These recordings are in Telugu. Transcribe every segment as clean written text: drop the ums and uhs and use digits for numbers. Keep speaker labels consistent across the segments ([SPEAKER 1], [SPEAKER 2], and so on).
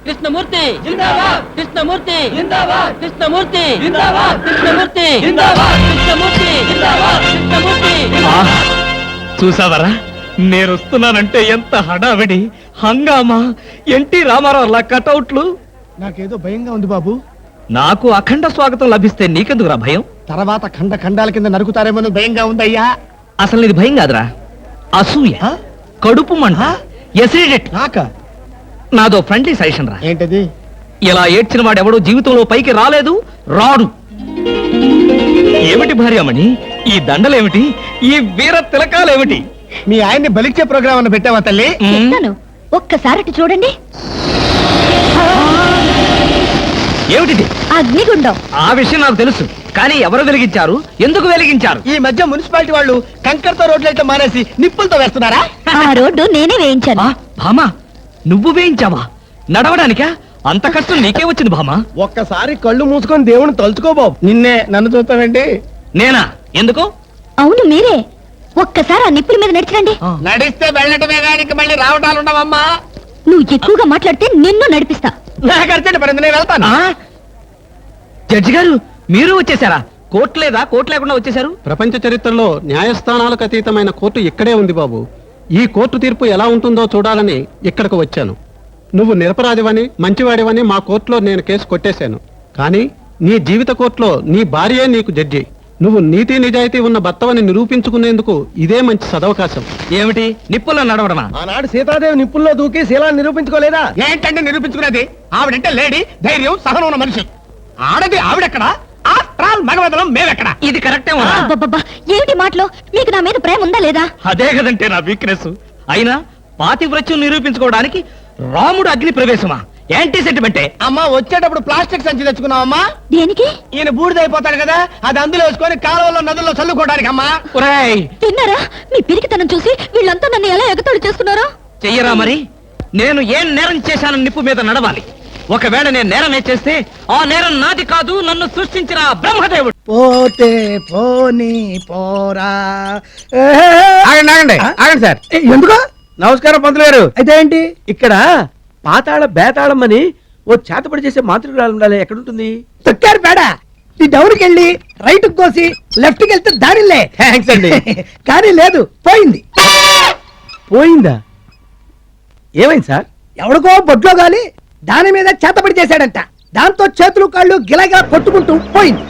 [SPEAKER 1] కృష్ణమూర్తి జిందాబాద్, కృష్ణమూర్తి జిందాబాద్, కృష్ణమూర్తి జిందాబాద్, కృష్ణమూర్తి జిందాబాద్, కృష్ణమూర్తి జిందాబాద్, కృష్ణమూర్తి.
[SPEAKER 2] చూసావరా, నేను వస్తున్నానంటే ఎంత హడావిడి, హంగామా, ఎన్టీ రామారావు కటౌట్లు.
[SPEAKER 3] నాకేదో భయంగా ఉంది బాబు.
[SPEAKER 2] నాకు అఖండ స్వాగతం లభిస్తే నీకెందుకురా భయం?
[SPEAKER 3] తర్వాత ఖండ ఖండాల కింద నరుకుతారేమో భయంగా ఉందయ్యా.
[SPEAKER 2] అసలు ఇది భయం కాదురా, అసూయ, కడుపు మంట, ఎసిడిటీ. నాదో ఫ్రెండ్లీ సజెషన్ రా.
[SPEAKER 3] ఏంటది?
[SPEAKER 2] ఇలా ఏడ్చిన వాడెవడో జీవితంలో పైకి రాలేదు, రాడు. ఏమిటి భార్యమణి ఈ దండలేమిటి, ఈ వీర తిలకాలేమిటి?
[SPEAKER 3] మీ ఆయన్ని బలిచ్చే ప్రోగ్రామ్ అన్న పెట్టావా తల్లి?
[SPEAKER 4] ఒక్కసారి చూడండి.
[SPEAKER 2] ఏమిటి
[SPEAKER 4] అగ్నిగుండం?
[SPEAKER 2] ఆ విషయం నాకు తెలుసు, కానీ ఎవరు వెలిగించారు, ఎందుకు వెలిగించారు?
[SPEAKER 3] ఈ మధ్య మున్సిపాలిటీ వాళ్ళు కంకర్తో రోడ్లైతే మానేసి నిప్పులతో వేస్తున్నారా?
[SPEAKER 4] ఆ రోడ్డు నేనే వేయించాను.
[SPEAKER 2] భామా, నువ్వు వేయించావా? నడవడానికా? అంత కష్టం నీకే వచ్చింది భామా?
[SPEAKER 3] ఒక్కసారి కళ్ళు మూసుకొని దేవుని తలుచుకో బాబు. నిన్నే నన్ను చూస్తావేంటి?
[SPEAKER 2] నేనా? ఎందుకు?
[SPEAKER 4] అవును మీరే. ఒక్కసారి ఆ నిప్పుల మీద నడిచిరండి.
[SPEAKER 3] నడిస్తే వెళ్ళటమే కానీ మళ్ళీ రావటాలు ఉండవమ్మా.
[SPEAKER 4] నువ్వు ఎక్కువగా మాట్లాడితే నిన్ను నడిపిస్తా.
[SPEAKER 3] నాకు అర్జెంట్ పడింది, నేను వెళ్తాను.
[SPEAKER 2] జడ్జి గారు, మీరు వచ్చేసారా? కోర్టు లేదా? కోర్టు లేకుండా వచ్చేసారు?
[SPEAKER 5] ప్రపంచ చరిత్రలో న్యాయస్థానాలకు అతీతమైన కోర్టు ఇక్కడే ఉంది బాబు. ఈ కోర్టు తీర్పు ఎలా ఉంటుందో చూడాలని ఇక్కడికి వచ్చాను. నువ్వు నిరపరాధివని, మంచివాడివని మా కోర్టులో నేను కేసు కొట్టేశాను. కానీ నీ జీవిత కోర్టులో నీ భార్యే నీకు జడ్జి. నువ్వు నీతి నిజాయితీ ఉన్న భర్తవని నిరూపించుకునేందుకు ఇదే మంచి సదవకాశం.
[SPEAKER 2] ఏమిటి, నిప్పుల్లో నడవడమా?
[SPEAKER 3] ఆనాడు సీతాదేవి నిప్పుల్లో దూకి శీలాన్ని నిరూపించుకోలేదా? ఏంటంటే నిరూపించుకునేది? ఆవిడంటే లేడీ, ధైర్యం, సహనం ఉన్న మనిషి. ఆడది ఆవిడెక్కడ, మగవదలం మేమెక్కడ?
[SPEAKER 2] ఇది కరెక్టే.
[SPEAKER 4] ఏమిటి మాటలో? మీకు నా మీద ప్రేమ ఉందా లేదా?
[SPEAKER 2] అదే కదంటే నా వీక్నెస్. అయినా పాతివ్రత్యం నిరూపించుకోవడానికి రాముడు అగ్ని ప్రవేశమా? యాంటీ సెంటిమెంటే.
[SPEAKER 3] అమ్మా, వచ్చేటప్పుడు ప్లాస్టిక్ సంచి తెచ్చుకున్నావమ్మా.
[SPEAKER 4] దేనికి?
[SPEAKER 3] ఈయన బూడిదైపోతాడు కదా, అది అందులో వేసుకొని కాలువల్లో నదుల్లో చల్లుకోవడానికి అమ్మా.
[SPEAKER 4] తిన్నారా? మీ పిరికితనం చూసి వీళ్ళంతా నన్ను ఎలా ఎగతాళి చేస్తున్నారో.
[SPEAKER 2] చెయ్యరా మరి? నేను ఏం నేరం చేశానని నిప్పు మీద నడవాలి. ఒకవేళ నేను నేరం చేస్తే ఆ నేరం నాది కాదు, నన్ను సృష్టించిన బ్రహ్మదేవుడు.
[SPEAKER 3] పోతే పోనీ పోరా. ఆగండి సార్. ఎందుకు? నమస్కారం పంతులు గారు. అయితే ఏంటి ఇక్కడ పాతాళ బేతాళం అని ఓ చేతపడి చేసే మాతృకురాలు ఉండాలి. ఎక్కడుంటుంది? తొక్కారు పేడ. ఈ డౌన్కి వెళ్ళి రైట్ కోసి లెఫ్ట్ కి వెళ్తే దారిలే. థ్యాంక్స్ అండి. కానీ లేదు, పోయింది. పోయిందా? ఏమైంది సార్? ఎవడికో బొడ్లో గాలి దాని మీద చేతపడి చేశాడంట. దాంతో చేతులు కాళ్ళు గిలగా కొట్టుకుంటూ పోయింది.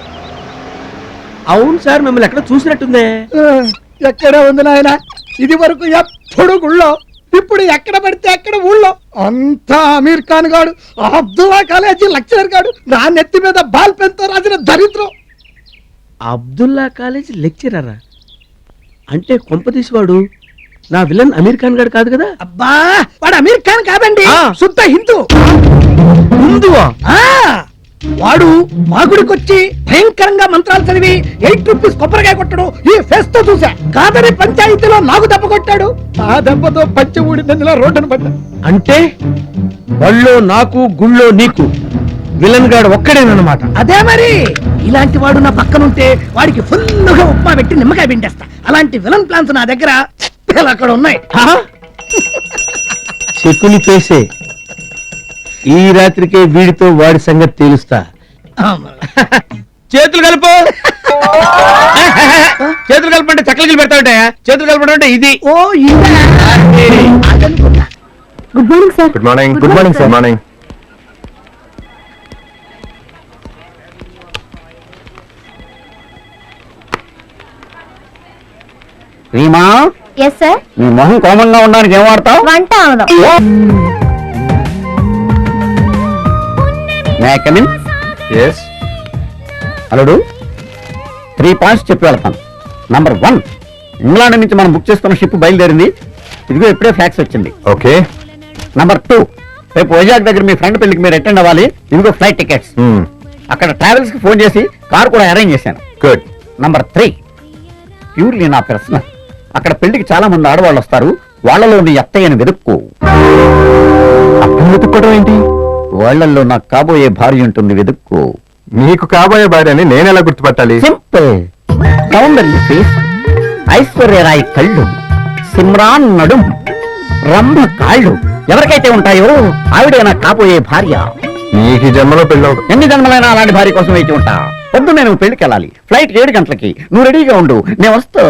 [SPEAKER 3] అవును సార్, మిమ్మల్ని ఎక్కడ చూసినట్టుందే. ఎక్కడ ఉంది నాయన? ఇది వరకు ఎప్పుడు గుళ్ళో, ఇప్పుడు ఎక్కడ పడితే అక్కడ ఊళ్ళో. అంతా అమీర్ ఖాన్ గాడు, అబ్దుల్లా కాలేజీ లెక్చరర్ గాడు, నా నెత్తి మీద బాల్ పెన్ తో రాసిన దరిద్రం. అబ్దుల్లా కాలేజీ లెక్చరరా? అంటే కొంపతీసి వాడు నా విలన్ అమీర్ ఖాన్ గారు కాదు కదా? అబ్బా, వాడు అమీర్ ఖాన్ కాదండి, శుద్ధ హిందూ. హిందువా? వాడు మా గుడికొచ్చి భయంకరంగా మంత్రాలు చదివి 8 రూపీస్ కొబ్బరికాయ కొట్టడు ఈ ఫేస్ తో చూసా. కాదని పంచాయతీలో నాకు దెబ్బ కొట్టాడు. ఆ దెబ్బతో పంచి ఊడినందులో రోడ్డును పడ్డా. అంటే బళ్ళో నాకు, గుళ్ళో నీకు విలన్ గాడు ఒక్కడేనమాట. అదే మరి. ఇలాంటి వాడు నా పక్కనుంటే వాడికి ఫుల్గా ఉప్మా పెట్టి నిమ్మకాయ పిండేస్తా. అలాంటి విలన్ ప్లాన్స్ నా దగ్గర అక్కడ ఉన్నాయి.
[SPEAKER 6] చెక్కుని పేసే ఈ రాత్రికే వీడితో వాడి సంగతి తేలుస్తా.
[SPEAKER 3] చేతులు కలుపు. చేతులు కలపంటే చక్కలు పెడతా ఉంటాయా? చేతులు కలపడం అంటే ఇది. ఓ
[SPEAKER 4] good morning sir.
[SPEAKER 6] Good morning. Good morning sir. Morning. Reema.
[SPEAKER 4] Yes sir.
[SPEAKER 6] నీ మొహం కోమంగా ఉండడానికి ఏం వాడతావు?
[SPEAKER 4] వంట ఆవడం.
[SPEAKER 6] అల్లుడు, 3 పాయింట్స్ చెప్పి వెళ్తాను. నంబర్ 1, ఇంగ్లాండ్ నుంచి మనం బుక్ చేసుకున్న షిప్ బయలుదేరింది. ఇదిగో ఇప్పుడే ఫ్లాక్స్ వచ్చింది. ఓకే. నంబర్ 2, రేపు వైజాగ్ దగ్గర మీ ఫ్రెండ్ పెళ్లికి మీరు అటెండ్ అవ్వాలి. ఇదిగో ఫ్లైట్ టికెట్స్. అక్కడ ట్రావెల్స్ కి ఫోన్ చేసి కార్ కూడా అరేంజ్ చేశాను. గుడ్. నంబర్ 3, ప్యూర్లీ నా పర్సనల్. అక్కడ పెళ్లికి చాలా మంది ఆడవాళ్ళు వస్తారు. వాళ్లలో నీ అత్తయ్యను వెతుక్కో. వెతుక్కోవడం ఏంటి? వాళ్లలో నాకు కాబోయే భార్య ఉంటుంది, వెతుక్కో.
[SPEAKER 7] నీకు కాబోయే భార్యని నేనెలా గుర్తుపట్టాలి?
[SPEAKER 6] సింపుల్. సౌందర్య ఫేస్, ఐశ్వర్యరాయ్ కళ్ళు, సిమ్రాన్ నడుం, రంభ కాళ్ళు, ఎవరికైతే ఉంటాయో ఆవిడే నాకు కాబోయే భార్య.
[SPEAKER 7] నీకు ఈ జన్మలో పెళ్ళవదు.
[SPEAKER 6] ఎన్ని జన్మలైనా అలాంటి భార్య కోసం వేచి ఉంటా. పొద్దు నేను పెళ్లికి వెళ్ళాలి. ఫ్లైట్ 7 గంటలకి. నువ్వు రెడీగా ఉండు, నేను వస్తా.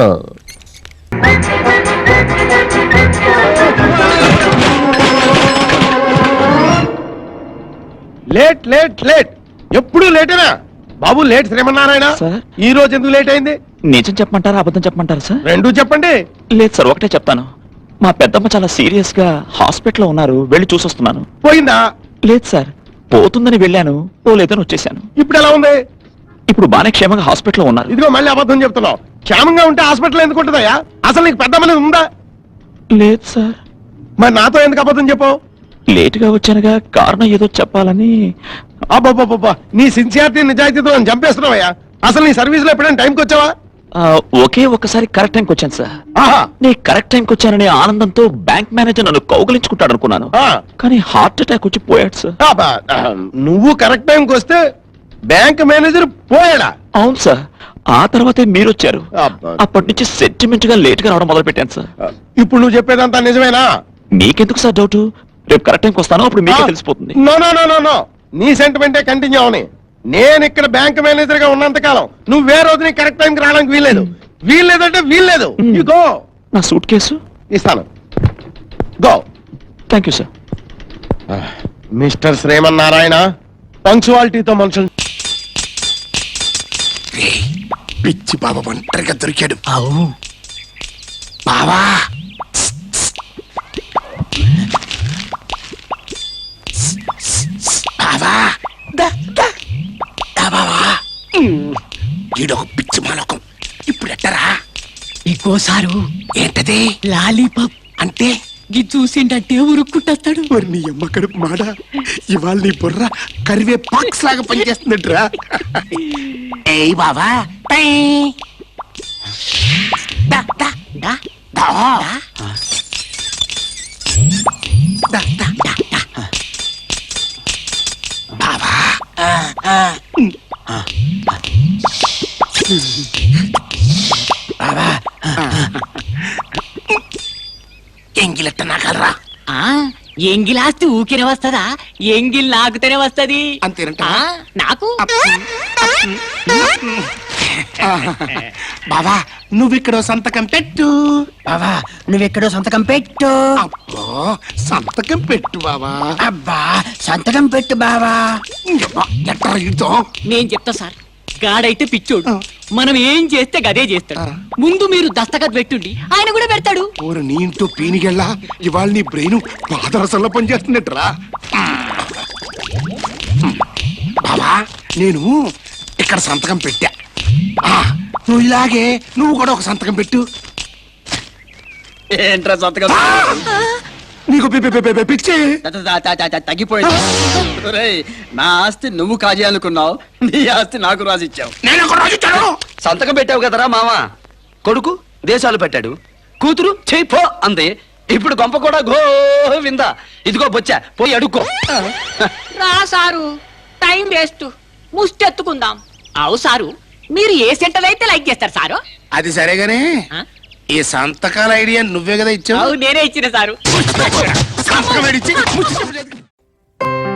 [SPEAKER 8] లేట్ లేట్ లేట్ ఎప్పుడు లేటేనా బాబు? లేట్ శ్రీమన్నారాయణ, ఈ రోజు ఎందుకు లేట్ అయింది?
[SPEAKER 9] నిజం చెప్పమంటారా అబద్ధం చెప్పమంటారా సార్?
[SPEAKER 8] రెండూ చెప్పండి.
[SPEAKER 9] లేదు సార్, ఒకటే చెప్తాను. మా పెద్దమ్మ చాలా సీరియస్ గా హాస్పిటల్లో ఉన్నారు, వెళ్ళి చూసొస్తున్నాను.
[SPEAKER 8] పోయిందా?
[SPEAKER 9] లేదు సార్, పోతుందని వెళ్ళాను, పోలేదని వచ్చేసాను.
[SPEAKER 8] ఇప్పుడు ఎలా ఉంది?
[SPEAKER 9] ఇప్పుడు బానే క్షేమంగా హాస్పిటల్లో ఉన్నారు.
[SPEAKER 8] ఇదిగో మళ్ళీ అబద్ధం చెప్తున్నావు. క్షేమంగా ఉంటే హాస్పిటల్ ఎందుకు ఉంటుందయ్యా? అసలు నీకు పెద్ద అనేది ఉందా?
[SPEAKER 9] లేదు సార్.
[SPEAKER 8] మరి నాతో ఎందుకు అబద్ధం చెప్పావు?
[SPEAKER 9] లేటుగా వచ్చానుగా, కారణం ఏదో చెప్పాలని.
[SPEAKER 8] అబ్బాబ్బా, నీ సిన్సియారిటీ నిజాయితీతో నన్ను చంపేస్తున్నావయ్యా. అసలు నీ సర్వీస్ లో ఎప్పుడైనా టైంకి వచ్చావా?
[SPEAKER 9] ఒకే ఒక్కసారి కరెక్ట్ టైంకి వచ్చాను సార్.
[SPEAKER 8] ఆహా,
[SPEAKER 9] నీ కరెక్ట్ టైంకి వచ్చాననే ఆనందంతో బ్యాంక్ మేనేజర్ నన్ను కౌగిలించుకుంటాడు అనుకున్నాను.
[SPEAKER 8] ఆ.
[SPEAKER 9] కానీ హార్ట్ అటాక్ వచ్చి పోయాడు సార్.
[SPEAKER 8] అబ్బా, నువ్వు కరెక్ట్ టైంకి వస్తే బ్యాంక్ మేనేజర్ పోయాడా?
[SPEAKER 9] అవును సార్, ఆ తర్వాతే మీరు వచ్చారు.
[SPEAKER 8] అబ్బా.
[SPEAKER 9] అప్పటి నుంచి సెంటిమెంట్ గా లేట్ గా రావడం మొదలు పెట్టాను సార్.
[SPEAKER 8] ఇప్పుడు నువ్వు చెప్పేదంతా నిజమేనా?
[SPEAKER 9] మీకెందుకు సార్ డౌట్? రేపు కరెక్ట్ టైంకి వస్తాను, అప్పుడు మీకే తెలిసిపోతుంది.
[SPEAKER 8] No no no no no, నీ సెంటిమెంటే కంటిన్యూ అవని. నేను ఇక్కడ బ్యాంక్ మేనేజర్ గా ఉన్నంత కాలం నువ్వు వేరే రోజు నీ కరెక్ట్ టైంకి రావడానికి వీల్లేదు. వీల్లేదంటే వీల్లేదు. You go.
[SPEAKER 9] నా సూట్ కేసు
[SPEAKER 8] ఇస్తాను. Go.
[SPEAKER 9] Thank you sir.
[SPEAKER 8] Mister Srimannarayana, పంక్చువాలిటీతో మనుషులు. పిచ్చి బాబా ఒంటరిగా దొరికాడు. బావా, బావా, బావా, ఈడొక పిచ్చి మాలకం. ఇప్పుడు ఎట్టరా?
[SPEAKER 1] ఇంకోసారు
[SPEAKER 8] ఏంటది?
[SPEAKER 1] లాలీపాప్
[SPEAKER 8] అంటే
[SPEAKER 1] గి చూసిండంటే ఉరుక్కుంటాడు.
[SPEAKER 8] మరి నీ అమ్మ కడుపు మాడ, ఇవాళ నీ బుర్ర కరివే పాక్స్ లాగా పనిచేస్తుందట్రా. ఏయ్ బావా, పై. దా, దా, దా, దా. దా, దా, దా, దా. బావా, బావా, ఎంగిలెట్ట నాకలరా?
[SPEAKER 1] ఎంగిలాస్తి ఊకినే వస్తదా? ఎంగిల్ నాకుతేనే వస్తది.
[SPEAKER 8] అంతేనంట.
[SPEAKER 1] నాకు
[SPEAKER 8] బావా, నువ్విక్కడో సంతకం పెట్టు.
[SPEAKER 1] బావా నువ్వెక్కడో సంతకం పెట్టు.
[SPEAKER 8] అబ్బో, సంతకం పెట్టు బావా.
[SPEAKER 1] అబ్బా సంతకం పెట్టు బావా.
[SPEAKER 8] ఎట్లా ఇద్దాం?
[SPEAKER 1] నేను చెప్తా సార్, గాడైతే పిచ్చోడు, మనం ఏం చేస్తే గదే చేస్తాడు. ముందు మీరు దస్తఖత్ పెట్టుండి, ఆయన కూడా పెడతాడు.
[SPEAKER 8] ఓరు నీ ఇంటూ పీనిగెళ్ళా, ఇవాళ నీ బ్రెయిన్ పాదరసంలో పనిచేస్తున్నట్రా. బావా, నేను ఇక్కడ సంతకం పెట్టా. నువ్వు ఇలాగే నువ్వు కూడా ఒక సంతకం పెట్టు.
[SPEAKER 1] ఏంట్రా సంతకం?
[SPEAKER 8] నీకు పిచ్చి.
[SPEAKER 1] తగ్గిపోయింది. నా ఆస్తి నువ్వు కాజేయాలనుకున్నావు, నీ ఆస్తి నాకు రాసిచ్చావు.
[SPEAKER 8] నేను ఒక రోజు ఇచ్చాను.
[SPEAKER 2] సంతకం పెట్టావు కదరా మామ. కొడుకు దేశాలు పెట్టాడు, కూతురు చేయిపో అంది. ఇప్పుడు గొంప కూడా గోవింద. ఇదిగో బొచ్చా, పోయి అడుక్కో.
[SPEAKER 10] రా సారు, టైం వేస్ట్, ముష్టెత్తుకుందాం. అవు సారు, మీరు ఏ సెంటర్ అయితే లైక్ చేస్తారు సారు?
[SPEAKER 8] అది సరేగానే, ఈ సంతకాల ఐడియా నువ్వే కదా ఇచ్చావు.
[SPEAKER 10] అవు నేనే ఇచ్చిన సారు.
[SPEAKER 8] సంతకం ఏడిచ్చి ముచ్చి చెప్పలేదు.